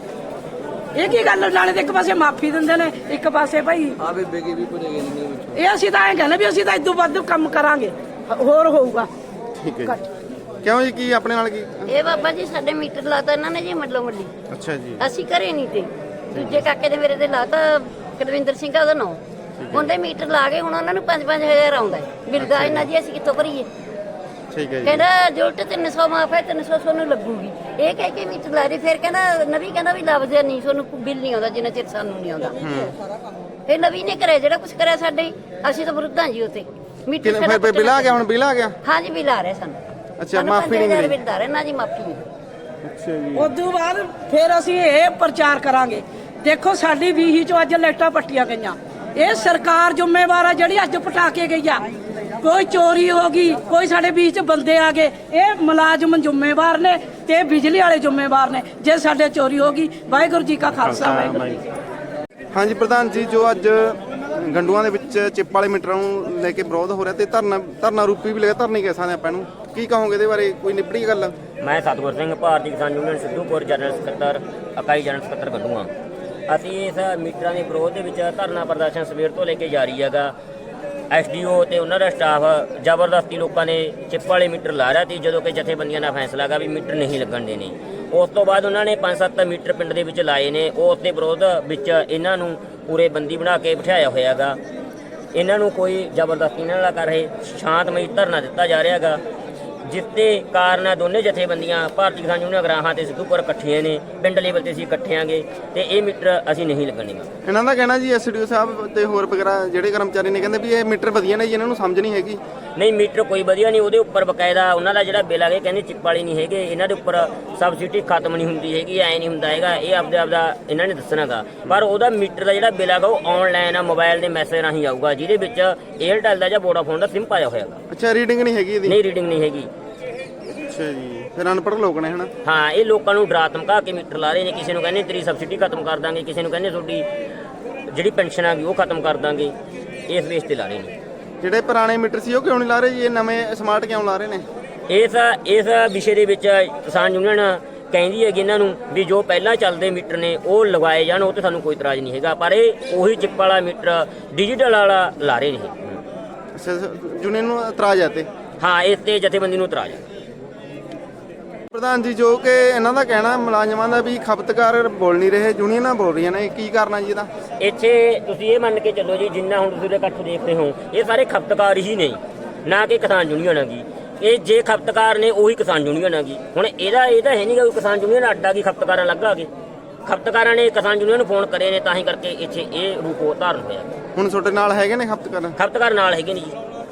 F: ਇਹ ਕੀ ਗੱਲ? ਨਾਲੇ ਤੇ ਇੱਕ ਪਾਸੇ ਮਾਫੀ ਦਿੰਦੇ ਨੇ, ਇੱਕ ਪਾਸੇ ਭਾਈ ਆ ਬੇਬੇ ਕੀ ਵੀ ਭੁੱਲੇ ਗਏ। ਇਹ ਅਸੀਂ ਤਾਂ ਐਂ ਕਹਿੰਦੇ ਵੀ ਅਸੀਂ ਤਾਂ ਇਦੋਂ ਵੱਧ ਕੰਮ ਕਰਾਂਗੇ, ਹੋਰ ਹੋਊਗਾ।
A: ਠੀਕ ਹੈ ਜੀ। ਕਿਉਂ ਜੀ, ਕੀ ਆਪਣੇ ਨਾਲ ਕੀ?
H: ਇਹ ਬਾਬਾ ਜੀ ਸਾਡੇ ਮੀਟਰ ਲਾਤਾ ਇਹਨਾਂ ਨੇ ਜੀ ਮੱਲੋ ਮੱਲੀ,
A: ਅੱਛਾ ਜੀ,
H: ਅਸੀਂ ਘਰੇ ਨਹੀਂ ਤੇ ਦੂਜੇ ਕਾਕੇ ਦੇ ਮੇਰੇ ਦੇ ਲਾਤਾ, ਕੁਲਵਿੰਦਰ ਸਿੰਘ ਆ ਉਹਦਾ ਨਾਂ, ਉਹਦੇ ਮੀਟਰ ਲਾ ਕੇ ਹੁਣ ਉਹਨਾਂ ਨੂੰ ਪੰਜ ਪੰਜ ਹਜ਼ਾਰ ਆਉਂਦਾ ਹੈ ਬਿੱਲ ਦਾ। ਇਹਨਾਂ ਜੀ ਅਸੀਂ ਕਿੱਥੋਂ ਭਰੀਏ?
A: ਠੀਕ ਹੈ ਜੀ।
H: ਕਹਿੰਦਾ ਜੁਲਟ ਤਿੰਨ ਸੌ ਮਾਫ ਹੈ, ਤਿੰਨ ਸੌ ਤੁਹਾਨੂੰ ਲੱਗੂਗੀ। ਇਹ ਕਹਿ ਕੇ ਮੀਟਰ ਲਾ ਰਹੀ, ਫਿਰ ਕਹਿੰਦਾ ਨਵੀਂ ਕਹਿੰਦਾ ਵੀ ਲੱਭਦੇ ਨਹੀਂ, ਤੁਹਾਨੂੰ ਬਿੱਲ ਨਹੀਂ ਆਉਂਦਾ ਜਿੰਨਾ ਚਿਰ ਸਾਨੂੰ ਨਹੀਂ ਆਉਂਦਾ। ਫਿਰ ਨਵੀਂ ਨੇ ਕਰਿਆ ਜਿਹੜਾ ਕੁਝ ਕਰਿਆ ਸਾਡੇ, ਅਸੀਂ ਤਾਂ ਵਿਰੁੱਧ ਹਾਂ ਜੀ ਉੱਥੇ ਮੀਟਰ।
A: ਕਿੰਨੇ ਫਿਰ ਬਿੱਲ ਆ ਗਿਆ? ਹੁਣ ਬਿੱਲ ਆ ਗਿਆ?
H: ਹਾਂ ਜੀ ਬਿੱਲ ਆ ਰਿਹਾ ਸਾਨੂੰ।
A: ਅੱਛਾ, ਮਾਫੀ ਨਹੀਂ ਮਿਲੀ?
H: ਬਿੱਲ ਆ ਰਿਹਾ ਨਾ ਜੀ, ਮਾਫੀ ਨਹੀਂ।
A: ਅੱਛਾ ਜੀ।
F: ਉਦੋਂ ਬਾਅਦ ਫਿਰ ਅਸੀਂ ਇਹ ਪ੍ਰਚਾਰ ਕਰਾਂਗੇ। ਦੇਖੋ ਸਾਡੀ ਵੀਹੀ ਚੋਂ ਅੱਜ ਲਾਈਟਾਂ ਪੱਟੀਆਂ ਗਈਆਂ, ਇਹ ਸਰਕਾਰ ਜ਼ਿੰਮੇਵਾਰ ਆ ਜਿਹੜੀ ਅੱਜ ਪਟਾ ਕੇ ਗਈ ਆ। ਕੋਈ ਚੋਰੀ ਹੋ ਗਈ, ਕੋਈ ਸਾਡੇ ਵੀਹ ਚ ਬੰਦੇ ਆ ਗਏ, ਇਹ ਮੁਲਾਜ਼ਮ ਜ਼ਿੰਮੇਵਾਰ ਨੇ ਤੇ ਬਿਜਲੀ ਵਾਲੇ ਜ਼ਿੰਮੇਵਾਰ ਨੇ ਜੇ ਸਾਡੇ ਚੋਰੀ ਹੋ ਗਈ। ਵਾਹਿਗੁਰੂ ਜੀ ਕਾ ਖਾਲਸਾ ਵਾਹਿਗੁਰੂ ਜੀ ਕੀ ਫਤਿਹ।
A: ਹਾਂਜੀ ਪ੍ਰਧਾਨ ਜੀ, ਜੋ ਅੱਜ ਗੰਡੂਆਂ ਦੇ ਵਿੱਚ ਚਿੱਪ ਵਾਲੇ ਮੀਟਰਾਂ ਨੂੰ ਲੈ ਕੇ ਵਿਰੋਧ ਹੋ ਰਿਹਾ ਤੇ ਧਰਨਾ ਧਰਨਾ ਰੂਪੀ ਵੀ ਲੱਗਾ, ਧਰਨੇ ਕਹਿ ਸਕਦੇ ਆਪਾਂ ਇਹਨੂੰ, ਕੀ ਕਹੋਗੇ ਇਹਦੇ ਬਾਰੇ? ਕੋਈ ਨਿਬੜੀ ਗੱਲ?
B: ਮੈਂ ਸਤਗੁਰ ਸਿੰਘ, ਭਾਰਤੀ ਕਿਸਾਨ ਯੂਨੀਅਨ ਸਿੱਧੂਪੁਰ ਜਨਰਲ ਸਕੱਤਰ, ਇਕਾਈ ਜਨਰਲ ਸਕੱਤਰ ਗੰਡੂਆਂ। ਅਸੀਂ ਇਸ ਮੀਟਰਾਂ ਦੇ ਵਿਰੋਧ ਦੇ ਵਿੱਚ ਧਰਨਾ ਪ੍ਰਦਰਸ਼ਨ ਸਵੇਰ ਤੋਂ ਲੈ ਕੇ ਜਾਰੀ ਹੈਗਾ। ਐਸਡੀਓ ਤੇ ਉਹਨਾਂ ਦਾ ਸਟਾਫ ਜ਼ਬਰਦਸਤੀ ਲੋਕਾਂ ਨੇ ਚਿੱਪ ਵਾਲੇ ਮੀਟਰ ਲਾ ਰਿਹਾ ਸੀ, ਜਦੋਂ ਕਿ ਜਥੇਬੰਦੀਆਂ ਦਾ ਫੈਸਲਾ ਹੈਗਾ ਵੀ ਮੀਟਰ ਨਹੀਂ ਲੱਗਣ ਦੇਣੇ। ਉਸ ਤੋਂ ਬਾਅਦ ਉਹਨਾਂ ਨੇ ਪੰਜ ਸੱਤ ਮੀਟਰ ਪਿੰਡ ਦੇ ਵਿੱਚ ਲਾਏ ਨੇ। ਉਸ ਦੇ ਵਿਰੋਧ ਵਿੱਚ ਇਹਨਾਂ ਨੂੰ ਪੂਰੇ ਬੰਦੀ ਬਣਾ ਕੇ ਬਿਠਾਇਆ ਹੋਇਆ ਗਾ। ਇਹਨਾਂ ਨੂੰ ਕੋਈ ਜ਼ਬਰਦਸਤੀ ਇਹਨਾਂ ਨਾਲ ਕਰ ਰਹੇ, ਸ਼ਾਂਤਮਈ ਧਰਨਾ ਦਿੱਤਾ ਜਾ ਰਿਹਾ ਗਾ, ਜਿਸ ਦੇ ਕਾਰਨ ਦੋਨੇ ਜਥੇਬੰਦੀਆਂ ਭਾਰਤੀ ਕਿਸਾਨ ਯੂਨੀਅਨ ਗਰਾਹਾਂ ਤੇ ਸਿੱਧੂਪੁਰ ਇਕੱਠੀਆਂ ਨੇ। ਪਿੰਡ ਲੈਵਲ ਤੇ ਅਸੀਂ ਇਕੱਠੇ ਆਂਗੇ ਤੇ ਇਹ ਮੀਟਰ ਅਸੀਂ ਨਹੀਂ ਲੱਗਣੇ।
A: ਇਹਨਾਂ ਦਾ ਕਹਿਣਾ ਜੀ ਐਸਡੀਓ ਸਾਹਿਬ ਤੇ ਹੋਰ ਵਗੈਰਾ ਜਿਹੜੇ ਕਰਮਚਾਰੀ ਨੇ ਕਹਿੰਦੇ ਵੀ ਇਹ ਮੀਟਰ ਵਧੀਆ ਨੇ ਜੀ, ਇਹਨਾਂ ਨੂੰ ਸਮਝ ਨਹੀਂ ਹੈਗੀ।
B: ਨਹੀਂ, ਮੀਟਰ ਕੋਈ ਵਧੀਆ ਨਹੀਂ। ਉਹਦੇ ਉੱਪਰ ਬਕਾਇਦਾ ਉਹਨਾਂ ਦਾ ਜਿਹੜਾ ਬਿੱਲ ਆ ਗਿਆ ਕਹਿੰਦੇ ਚਿੱਪ ਵਾਲੀ ਨਹੀਂ ਹੈਗੇ। ਇਹਨਾਂ ਦੇ ਉੱਪਰ ਸਬਸਿਡੀ ਖਤਮ ਨਹੀਂ ਹੁੰਦੀ ਹੈਗੀ, ਐ ਨਹੀਂ ਹੁੰਦਾ ਹੈਗਾ। ਇਹ ਆਪਦੇ ਆਪਦਾ ਇਹਨਾਂ ਨੇ ਦੱਸਣਾਗਾ। ਪਰ ਉਹਦਾ ਮੀਟਰ ਦਾ ਜਿਹੜਾ ਬਿੱਲ ਆਗਾ ਉਹ ਆਨਲਾਈਨ ਆ, ਮੋਬਾਈਲ ਦੇ ਮੈਸੇਜ ਰਾਹੀਂ ਆਊਗਾ, ਜਿਹਦੇ ਵਿੱਚ ਏਅਰਟੈਲ ਦਾ ਜਾਂ ਵੋਡਾਫੋਨ ਦਾ ਸਿਮ ਪਾਇਆ ਹੋਇਆ ਗਾ।
A: ਅੱਛਾ, ਰੀਡਿੰਗ ਨਹੀਂ ਹੈਗੀ ਇਹਦੀ?
B: ਨਹੀਂ, ਰੀਡਿੰਗ ਨਹੀਂ ਹੈਗੀ।
A: ਅੱਛਾ ਜੀ, ਫਿਰ ਅਨਪੜ੍ਹ ਲੋਕ ਨੇ ਹਨਾ।
B: ਹਾਂ, ਇਹ ਲੋਕਾਂ ਨੂੰ ਡਰਾ ਧਮਕਾ ਕੇ ਮੀਟਰ ਲਾ ਰਹੇ ਨੇ। ਕਿਸੇ ਨੂੰ ਕਹਿੰਦੇ ਤੇਰੀ ਸਬਸਿਡੀ ਖਤਮ ਕਰ ਦਾਂਗੇ, ਕਿਸੇ ਨੂੰ ਕਹਿੰਦੇ ਤੁਹਾਡੀ ਜਿਹੜੀ ਪੈਨਸ਼ਨ ਆ ਗਈ ਉਹ ਖਤਮ ਕਰ ਦਾਂਗੇ। ਇਸ ਬੇਸ ਤੇ ਲਾ ਰਹੇ ਨੇ।
A: ਜਿਹੜੇ ਪੁਰਾਣੇ ਮੀਟਰ ਸੀ ਉਹ ਕਿਉਂ ਨਹੀਂ ਲਾ ਰਹੇ ਜੀ? ਇਹ ਨਵੇਂ ਸਮਾਰਟ ਕਿਉਂ ਲਾ ਰਹੇ ਨੇ?
B: ਇਸ ਇਸ ਵਿਸ਼ੇ ਦੇ ਵਿੱਚ ਕਿਸਾਨ ਯੂਨੀਅਨ ਕਹਿੰਦੀ ਹੈਗੀ ਇਹਨਾਂ ਨੂੰ ਵੀ ਜੋ ਪਹਿਲਾਂ ਚੱਲਦੇ ਮੀਟਰ ਨੇ ਉਹ ਲਗਾਏ ਜਾਣ, ਉਹ ਤੇ ਸਾਨੂੰ ਕੋਈ ਇਤਰਾਜ਼ ਨਹੀਂ ਹੈਗਾ। ਪਰ ਇਹ ਉਹੀ ਚਿੱਪ ਵਾਲਾ ਮੀਟਰ ਡਿਜੀਟਲ ਵਾਲਾ ਲਾ ਰਹੇ ਨੇ।
A: ਅੱਛਾ, ਯੂਨੀਅਨ ਨੂੰ ਇਤਰਾਜ਼ ਹੈ ਤੇ?
B: ਹਾਂ, ਇਸ ਤੇ ਜਥੇਬੰਦੀ ਨੂੰ ਇਤਰਾਜ਼ ਹੈ।
A: ਪ੍ਰਧਾਨ ਜੀ, ਜੋ ਕਿ ਇਹਨਾਂ ਦਾ ਕਹਿਣਾ ਮੁਲਾਜ਼ਮਾਂ ਦਾ ਵੀ ਖਪਤਕਾਰ ਬੋਲ ਨਹੀਂ ਰਹੇ, ਯੂਨੀਅਨਾਂ ਬੋਲ ਰਹੀਆਂ ਨੇ, ਕੀ ਕਰਨਾ ਜੀ ਇਹਦਾ?
B: ਇੱਥੇ ਤੁਸੀਂ ਇਹ ਮੰਨ ਕੇ ਚੱਲੋ ਜੀ, ਜਿੰਨਾ ਹੁਣ ਤੁਸੀਂ ਇਕੱਠ ਦੇਖ ਰਹੇ ਹੋ, ਇਹ ਸਾਰੇ ਖਪਤਕਾਰ ਹੀ ਨਹੀਂ, ਨਾ ਕਿ ਕਿਸਾਨ ਯੂਨੀਅਨ ਹੈਗੀ। ਇਹ ਜੇ ਖਪਤਕਾਰ ਨੇ ਉਹੀ ਕਿਸਾਨ ਯੂਨੀਅਨ ਹੈਗੀ। ਹੁਣ ਇਹਦਾ ਇਹ ਤਾਂ ਹੈ ਨਹੀਂ ਕਿ ਕਿਸਾਨ ਯੂਨੀਅਨ ਅੱਡਾ ਕੀ ਖਪਤਕਾਰਾਂ ਲੱਗਾ ਕੇ। ਖਪਤਕਾਰਾਂ ਨੇ ਕਿਸਾਨ ਯੂਨੀਅਨ ਨੂੰ ਫੋਨ ਕਰੇ ਨੇ, ਤਾਂ ਹੀ ਕਰਕੇ ਇੱਥੇ ਇਹ ਰੂਪ ਧਾਰਨ ਹੋਇਆ।
A: ਹੁਣ ਤੁਹਾਡੇ ਨਾਲ ਹੈਗੇ ਨੇ ਖਪਤਕਾਰ?
B: ਖਪਤਕਾਰ ਨਾਲ ਹੈਗੇ ਨੇ ਜੀ।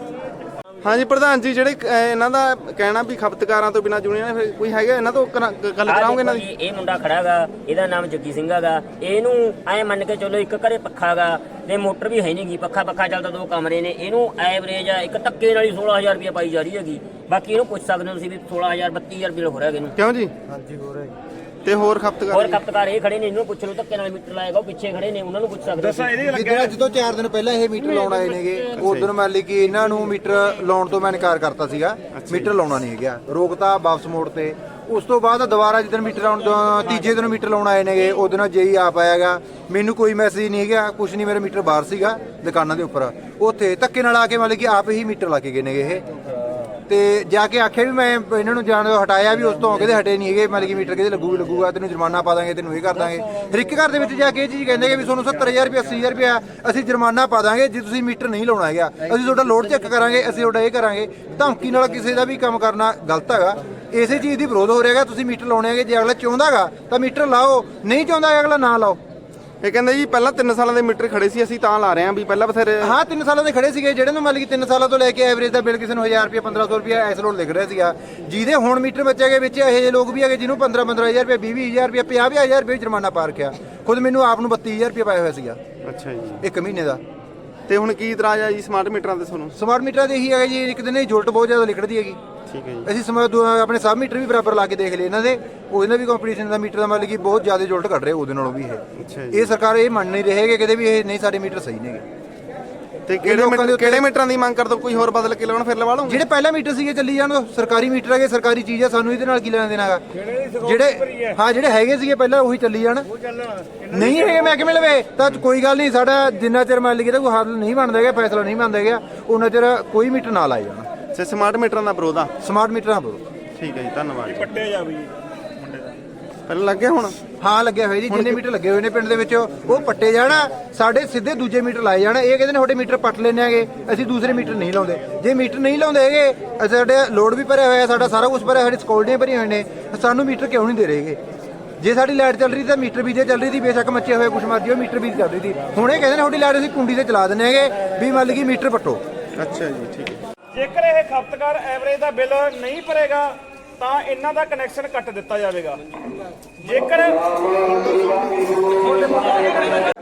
A: ਹਾਂਜੀ ਪ੍ਰਧਾਨ ਜੀ, ਜਿਹੜੇ ਅਹ, ਇਹਨਾਂ ਦਾ ਕਹਿਣਾ ਵੀ ਖਪਤਕਾਰਾਂ ਤੋਂ ਬਿਨਾਂ ਯੂਨੀਅਨ, ਫਿਰ ਕੋਈ ਹੈਗਾ ਇਹਨਾਂ ਤੋਂ ਕਰਾ- ਗੱਲ ਕਰਾਉਂਗੇ ਇਹਨਾਂ ਦੀ?
B: ਇਹ ਮੁੰਡਾ ਖੜਾ ਗਾ, ਇਹਦਾ ਨਾਮ ਜੱਗੀ ਸਿੰਘ ਹੈਗਾ। ਇਹਨੂੰ ਐ ਮੰਨ ਕੇ ਚਲੋ ਇੱਕ ਘਰੇ ਪੱਖਾ ਗਾ ਤੇ ਮੋਟਰ ਵੀ ਹੈ ਨਹੀਂ ਗੀ, ਪੱਖਾ ਪੱਖਾ ਚੱਲਦਾ, ਦੋ ਕਮਰੇ ਨੇ। ਇਹਨੂੰ ਐਵਰੇਜ ਇੱਕ ਧੱਕੇ ਨਾਲ ਹੀ ਸੋਲਾਂ ਹਜ਼ਾਰ ਰੁਪਏ ਪਾਈ ਜਾ ਰਹੀ ਹੈਗੀ। ਬਾਕੀ ਇਹਨੂੰ ਪੁੱਛ ਸਕਦੇ ਹੋ ਤੁਸੀਂ ਵੀ ਸੋਲਾਂ ਹਜ਼ਾਰ ਬੱਤੀ ਹਜ਼ਾਰ ਬਿੱਲ ਹੋ ਰਿਹਾ ਇਹਨੂੰ।
A: ਕਿਉਂ ਜੀ?
D: ਹਾਂਜੀ, ਹੋ ਰਿਹਾ
A: ਤੇ ਹੋਰ ਖਪਤਕਾਰ?
B: ਹੋਰ ਖਪਤਕਾਰ ਇਹ ਖੜੇ ਨੇ, ਇਹਨੂੰ ਪੁੱਛ ਲਓ ਧੱਕੇ ਨਾਲ ਮੀਟਰ ਲਾਏਗਾ, ਉਹ ਪਿੱਛੇ ਖੜੇ ਨੇ, ਉਹਨਾਂ ਨੂੰ ਪੁੱਛ ਸਕਦੇ ਹੋ।
I: ਜਿੱਦਾਂ ਜਦੋਂ ਚਾਰ ਦਿਨ ਪਹਿਲਾਂ ਇਹ ਮੀਟਰ ਲਾਉਣ ਆਏ ਨੇਗੇ, ਉਦੋਂ ਮੰਨ ਲਈ ਕਿ ਇਹਨਾਂ ਨੂੰ ਮੀਟਰ ਲਾਉਣ ਤੋਂ ਮੈਂ ਇਨਕਾਰ ਕਰਤਾ ਸੀਗਾ, ਮੀਟਰ ਲਾਉਣਾ ਨਹੀਂ ਹੈਗਾ, ਰੋਕਤਾ, ਵਾਪਸ ਮੋੜ ਤੇ। ਉਸ ਤੋਂ ਬਾਅਦ ਦੁਬਾਰਾ ਜਦੋਂ ਮੀਟਰ ਲਾਉਣ ਤੀਜੇ ਦਿਨ ਮੀਟਰ ਲਾਉਣ ਆਏ ਨੇਗੇ, ਉਹਦੇ ਨਾਲ ਜੇਈ ਆਪ ਆਇਆਗਾ। ਮੈਨੂੰ ਕੋਈ ਮੈਸੇਜ ਨਹੀਂ ਹੈਗਾ, ਕੁਝ ਨਹੀਂ, ਮੇਰਾ ਮੀਟਰ ਬਾਹਰ ਸੀਗਾ ਦੁਕਾਨਾਂ ਦੇ ਉੱਪਰ। ਉੱਥੇ ਧੱਕੇ ਨਾਲ ਆ ਕੇ ਮਤਲਬ ਕਿ ਆਪ ਹੀ ਮੀਟਰ ਲਾ ਕੇ ਗਏ ਨੇਗੇ ਇਹ। ਤੇ ਜਾ ਕੇ ਆਖਿਆ ਵੀ ਮੈਂ ਇਹਨਾਂ ਨੂੰ ਜਾਣ ਤੋਂ ਹਟਾਇਆ ਵੀ, ਉਸ ਤੋਂ ਕਹਿੰਦੇ ਹਟੇ ਨਹੀਂ ਹੈਗੇ, ਮਤਲਬ ਕਿ ਮੀਟਰ ਕਿਤੇ ਲੱਗੂ ਲੱਗੂਗਾ, ਤੈਨੂੰ ਜੁਰਮਾਨਾ ਪਾ ਦਾਂਗੇ, ਤੈਨੂੰ ਇਹ ਕਰ ਦਾਂਗੇ। ਹਰ ਇੱਕ ਘਰ ਦੇ ਵਿੱਚ ਜਾ ਕੇ ਇਹ ਚੀਜ਼ ਕਹਿੰਦੇ ਕਿ ਵੀ ਤੁਹਾਨੂੰ ਸੱਤਰ ਹਜ਼ਾਰ ਰੁਪਏ ਅੱਸੀ ਹਜ਼ਾਰ ਰੁਪਇਆ ਅਸੀਂ ਜੁਰਮਾਨਾ ਪਾ ਦਾਂਗੇ ਜੇ ਤੁਸੀਂ ਮੀਟਰ ਨਹੀਂ ਲਾਉਣਾ ਹੈਗਾ, ਅਸੀਂ ਤੁਹਾਡਾ ਲੋਡ ਚੈੱਕ ਕਰਾਂਗੇ, ਅਸੀਂ ਤੁਹਾਡਾ ਇਹ ਕਰਾਂਗੇ। ਧਮਕੀ ਨਾਲ ਕਿਸੇ ਦਾ ਵੀ ਕੰਮ ਕਰਨਾ ਗਲਤ ਹੈਗਾ। ਇਸੇ ਚੀਜ਼ ਦੀ ਵਿਰੋਧ ਹੋ ਰਿਹਾ ਹੈਗਾ। ਤੁਸੀਂ ਮੀਟਰ ਲਾਉਣੇ ਹੈਗੇ, ਜੇ ਅਗਲਾ ਚਾਹੁੰਦਾ ਹੈਗਾ ਤਾਂ ਮੀਟਰ ਲਾਓ, ਨਹੀਂ ਚਾਹੁੰਦਾ ਅਗਲਾ ਨਾ ਲਾਓ।
A: ਇਹ ਕਹਿੰਦੇ ਜੀ ਪਹਿਲਾਂ ਤਿੰਨ ਸਾਲਾਂ ਦੇ ਮੀਟਰ ਖੜੇ ਸੀ, ਅਸੀਂ ਤਾਂ ਲਾ ਰਹੇ ਹਾਂ ਵੀ ਪਹਿਲਾਂ ਬਥੇਰੇ।
I: ਹਾਂ, ਤਿੰਨ ਸਾਲਾਂ ਦੇ ਖੜੇ ਸੀਗੇ, ਜਿਹੜੇ ਨੂੰ ਮਤਲਬ ਕਿ ਤਿੰਨ ਸਾਲਾਂ ਤੋਂ ਲੈ ਕੇ ਐਵਰੇਜ ਦਾ ਬਿੱਲ ਕਿਸੇ ਨੂੰ ਹਜ਼ਾਰ ਰੁਪਏ ਪੰਦਰਾਂ ਸੌ ਰੁਪਏ ਐਸ ਲੋਡ ਲਿਖ ਰਿਹਾ ਸੀਗਾ। ਜਿਹਦੇ ਹੁਣ ਮੀਟਰ ਬੱਚੇ ਵਿੱਚ ਇਹੋ ਜਿਹੇ ਲੋਕ ਵੀ ਹੈਗੇ ਜਿਹਨੂੰ ਪੰਦਰਾਂ ਪੰਦਰਾਂ ਹਜ਼ਾਰ ਰੁਪਏ, ਵੀਹ ਵੀਹ ਹਜ਼ਾਰ ਰੁਪਏ, ਪੰਜਾਹ ਪੰਜਾਹ ਹਜ਼ਾਰ ਰੁਪਏ ਜੁਰਮਾਨਾ ਪਾ ਰੱਖਿਆ। ਖੁਦ ਮੈਨੂੰ ਆਪ ਨੂੰ ਬੱਤੀ ਹਜ਼ਾਰ ਰੁਪਏ ਪਾਇਆ ਹੋਇਆ ਸੀਗਾ।
A: ਅੱਛਾ ਜੀ,
I: ਇੱਕ ਮਹੀਨੇ ਦਾ।
A: ਤੇ ਹੁਣ ਕੀ ਇਤਰਾਜ਼ ਆ ਜੀ ਸਮਾਰਟ ਮੀਟਰਾਂ ਤੇ ਤੁਹਾਨੂੰ?
I: ਸਮਾਰਟ ਮੀਟਰਾਂ ਦੇ ਇਹੀ ਹੈਗਾ ਜੀ, ਇੱਕ ਦਿਨ ਇਹ ਜੁਲਟ ਬਹੁਤ ਜ਼ਿਆਦਾ ਲਿਖੜਦੀ ਹੈਗੀ।
A: ਠੀਕ ਹੈ ਜੀ।
I: ਅਸੀਂ ਸਮਾਂ ਆਪਣੇ ਸਬ ਮੀਟਰ ਵੀ ਬਰਾਬਰ ਲਾ ਕੇ ਦੇਖ ਲਏ ਇਹਨਾਂ ਦੇ, ਉਹਦੇ ਨਾਲ ਵੀ ਕੰਪੀਟੀਸ਼ਨ ਦਾ ਮੀਟਰ ਦਾ ਮਤਲਬ ਕਿ ਬਹੁਤ ਜ਼ਿਆਦਾ ਜੁਲਟ ਕੱਢ ਰਿਹਾ ਉਹਦੇ ਨਾਲੋਂ ਵੀ ਇਹ।
A: ਅੱਛਾ ਜੀ।
I: ਇਹ ਸਰਕਾਰ ਇਹ ਮੰਨ ਨਹੀਂ ਰਹੇਗੇ ਕਿਤੇ ਵੀ ਇਹ ਨਹੀਂ ਸਾਡੇ ਮੀਟਰ ਸਹੀ ਨੇਗੇ।
A: ਤੇ ਕਿਹੜੇ ਮੀਟਰ, ਕਿਹੜੇ ਮੀਟਰਾਂ ਦੀ ਮੰਗ ਕਰਦੇ? ਕੋਈ ਹੋਰ ਬਦਲ ਕੇ ਲਾਉਣ, ਫਿਰ ਲਵਾ ਲਵਾਂਗੇ।
I: ਜਿਹੜੇ ਪਹਿਲਾਂ ਮੀਟਰ ਸੀਗੇ ਚੱਲੀ ਜਾਣ, ਸਰਕਾਰੀ ਮੀਟਰ ਹੈਗੇ, ਸਰਕਾਰੀ ਚੀਜ਼ ਹੈ, ਸਾਨੂੰ ਇਹਦੇ ਨਾਲ ਕੀ ਲੈਣਾ ਦੇਣਾ ਹੈਗਾ। ਜਿਹੜੇ ਹਾਂ ਜਿਹੜੇ ਹੈਗੇ ਸੀਗੇ ਪਹਿਲਾਂ ਉਹੀ ਚੱਲੀ ਜਾਣ। ਨਹੀਂ ਹੈਗੇ ਮਹਿਕਮੇ ਲਵੇ ਤਾਂ ਕੋਈ ਗੱਲ ਨਹੀਂ, ਸਾਡਾ ਜਿੰਨਾ ਚਿਰ ਮੰਨ ਲਈਏ ਤਾਂ ਕੋਈ ਹੱਲ ਨਹੀਂ ਬਣਦਾ ਹੈਗਾ, ਫੈਸਲਾ ਨਹੀਂ ਬਣਦਾ ਹੈਗਾ, ਉਹਨਾਂ ਚਿਰ ਕੋਈ ਮੀਟਰ ਨਾ ਲਾਏ ਜਾਣ।
A: ਤੇ ਸਮਾਰਟ ਮੀਟਰਾਂ ਦਾ ਵਿਰੋਧ ਆ?
I: ਸਮਾਰਟ ਮੀਟਰਾਂ ਬਰੋ।
A: ਠੀਕ ਹੈ ਜੀ, ਧੰਨਵਾਦ। ਪੱਟੇ ਜਾ ਵੀ ਪਹਿਲਾਂ ਲੱਗਿਆ ਹੁਣ?
I: ਹਾਂ, ਲੱਗਿਆ ਹੋਇਆ ਜੀ, ਜਿੰਨੇ ਮੀਟਰ ਲੱਗੇ ਹੋਏ ਨੇ ਪਿੰਡ ਦੇ ਵਿੱਚ ਉਹ ਪੱਟੇ ਜਾਣਾ, ਸਾਡੇ ਸਿੱਧੇ ਦੂਜੇ ਮੀਟਰ ਲਾਏ ਜਾਣਾ। ਇਹ ਕਹਿੰਦੇ ਨੇ ਤੁਹਾਡੇ ਮੀਟਰ ਪੱਟ ਲੈਣੇ ਹੈਗੇ, ਅਸੀਂ ਦੂਸਰੇ ਮੀਟਰ ਨਹੀਂ ਲਾਉਂਦੇ। ਜੇ ਮੀਟਰ ਨਹੀਂ ਲਾਉਂਦੇ ਹੈਗੇ, ਸਾਡੇ ਲੋਡ ਵੀ ਭਰਿਆ ਹੋਇਆ, ਸਾਡਾ ਸਾਰਾ ਕੁਝ ਭਰਿਆ, ਸਾਡੀ ਸਕਿਉਰਟੀਆਂ ਭਰੀਆਂ ਹੋਏ ਨੇ, ਸਾਨੂੰ ਮੀਟਰ ਕਿਉਂ ਨਹੀਂ ਦੇ ਰਹੇਗੇ? ਜੇ ਸਾਡੀ ਲਾਈਟ ਚੱਲ ਰਹੀ ਤਾਂ ਮੀਟਰ ਵੀ ਜੇ ਚੱਲ ਰਹੀ ਸੀ, ਬੇਸ਼ੱਕ ਮੱਚੇ ਹੋਏ ਕੁਛ ਮਰਜੀ ਹੋ, ਮੀਟਰ ਵੀ ਚੱਲ ਰਹੀ ਸੀ। ਹੁਣ ਇਹ ਕਹਿੰਦੇ ਨੇ ਤੁਹਾਡੀ ਲਾਈਟ ਅਸੀਂ ਕੁੰਡੀ ਤੇ ਚਲਾ ਦਿੰਦੇ ਹੈਗੇ ਵੀ ਮੰਨ ਲਈਏ ਮੀਟਰ ਪੱਟੋ।
A: ਅੱਛਾ ਜੀ, ਠੀਕ ਹੈ।
J: ਜੇਕਰ ਇਹ ਖਪਤਕਾਰ ਐਵਰੇਜ ਦਾ ਬਿੱਲ ਨਹੀਂ ਭਰੇਗਾ ਤਾਂ ਇਹਨਾਂ ਦਾ ਕਨੈਕਸ਼ਨ ਕੱਟ ਦਿੱਤਾ ਜਾਵੇਗਾ। ਜੇਕਰ